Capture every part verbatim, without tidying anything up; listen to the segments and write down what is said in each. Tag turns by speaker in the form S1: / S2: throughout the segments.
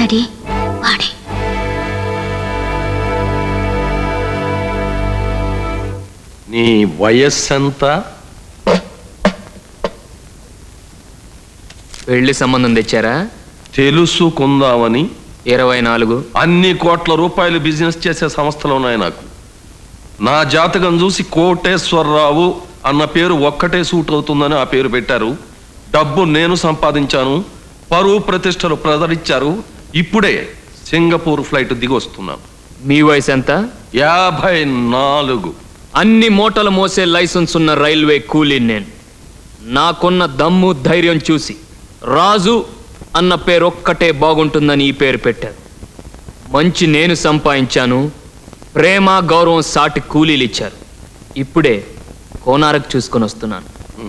S1: Daddy వాడే.
S2: నీ వయస్సెంత?
S3: పెళ్లి సంబంధం తెచ్చారా?
S2: తెలుసుకుందామని.
S3: ఇరవై నాలుగు.
S2: అన్ని కోట్ల రూపాయలు బిజినెస్ చేసే సంస్థలు ఉన్నాయి నాకు. నా జాతకం చూసి కోటేశ్వరరావు అన్న పేరు ఒక్కటే సూట్ అవుతుందని ఆ పేరు పెట్టారు. డబ్బు నేను సంపాదించాను, పరువు ప్రతిష్టలు ప్రదరించారు. ఇప్పుడే సింగపూర్ ఫ్లైట్ దిగి వస్తున్నాను.
S3: మీ వయసు ఎంత?
S2: యాభై నాలుగు.
S3: అన్ని మూటలు మోసే లైసెన్స్ ఉన్న రైల్వే కూలీ నేను. నాకున్న దమ్ము ధైర్యం చూసి రాజు అన్న పేరు ఒక్కటే బాగుంటుందని ఈ పేరు పెట్టారు. మంచి నేను సంపాదించాను, ప్రేమ గౌరవం సాటి కూలీలు ఇచ్చారు. ఇప్పుడే కోనారకు చూసుకొని వస్తున్నాను.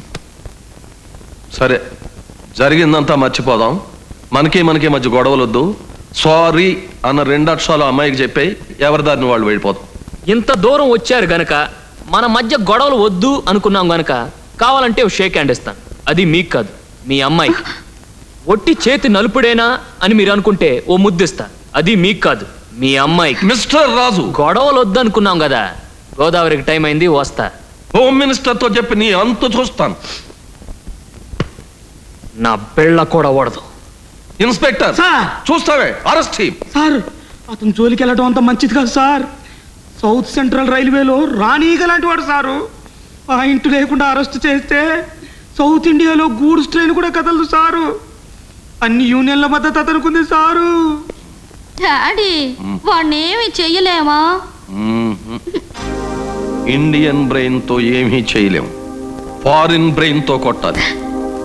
S2: సరే, జరిగిందంతా మర్చిపోదాం. మనకి మనకి మధ్య గొడవలొద్దు. సారీ అన్న రెండు అక్షరాలు అమ్మాయికి చెప్పి ఎవరి దారిని వాళ్ళు వెళ్ళిపోతాం.
S3: ఇంత దూరం వచ్చారు గనక మన మధ్య గొడవలు వద్దు అనుకున్నాం గనక కావాలంటే ఓ షేక్ హ్యాండ్ ఇస్తాను. అది మీకు కాదు, మీ అమ్మాయికి. ఒట్టి చేతి నలుపుడేనా అని మీరు అనుకుంటే ఓ ముద్దిస్తా. అది మీకు కాదు, మీ అమ్మాయికి.
S2: మిస్టర్ రాజు,
S3: గొడవలు వద్దు అనుకున్నాం కదా. గోదావరికి టైం అయింది, వస్తా.
S2: హోమ్ మినిస్టర్ తో చెప్పి నీ అంతు చూస్తాను.
S3: నా పిల్ల కూడా ఓడదు.
S2: ఇన్స్పెక్టర్ చూస్తావే, అరెస్ట్.
S4: సార్, అతను జోలికి వెళ్ళడం అంత మంచిది కాదు సార్. సౌత్ సెంట్రల్ రైల్వేలో రాణీగ లాంటి వాడు సారు. ఆ ఇంటి లేకుండా అరెస్ట్ చేస్తే సౌత్ ఇండియాలో గూడ్స్ ట్రైన్ కూడా కదలదు సారు. అన్ని యూనియన్ల మద్దతు అతనుకుంది సారు.
S1: డాడీ వాడినేమి చెయ్యలేమా?
S2: ఇండియన్ బ్రెయిన్ తో ఏమీ చేయలేం, ఫారిన్ బ్రెయిన్ తో కొట్టాలి.